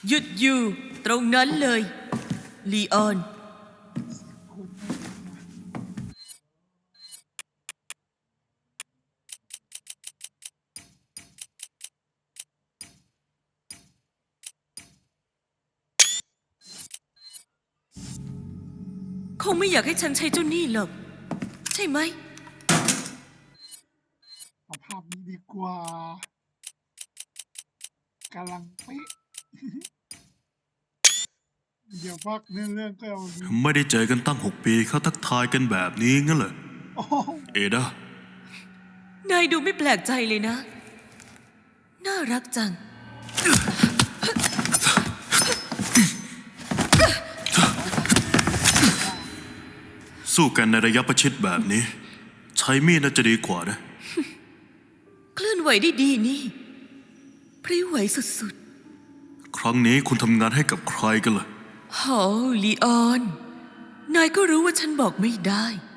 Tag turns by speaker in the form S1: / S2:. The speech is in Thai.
S1: หยุดอยู่ตรงนั้นเลยลีออนคงไม่อยากให้ฉันใช้เจ้านี่หรอกใช่ไหม
S2: เอาภาพนี้ดีกว่ากำลังเป๊ะ เดี๋ยวพักเรื่องก็เอาดี
S3: ไม่ได้เจอกันตั้ง6 ปีเขาทักทายกันแบบนี้งั้นเหรอ
S2: โอ้โห
S3: เอดาน
S1: ายดูไม่แปลกใจเลยนะน่ารักจัง
S3: สู้กันในระยะประชิดแบบนี้ ใช้มีดน่าจะดีกว่านะ
S1: เคลื่อนไหวได้ดีนี่พริ้วไหวสุด
S3: ครั้งนี้คุณทำงานให้กับใครกันล่ะ
S1: ๆโหลีออนนายก็รู้ว่าฉันบอกไม่ได้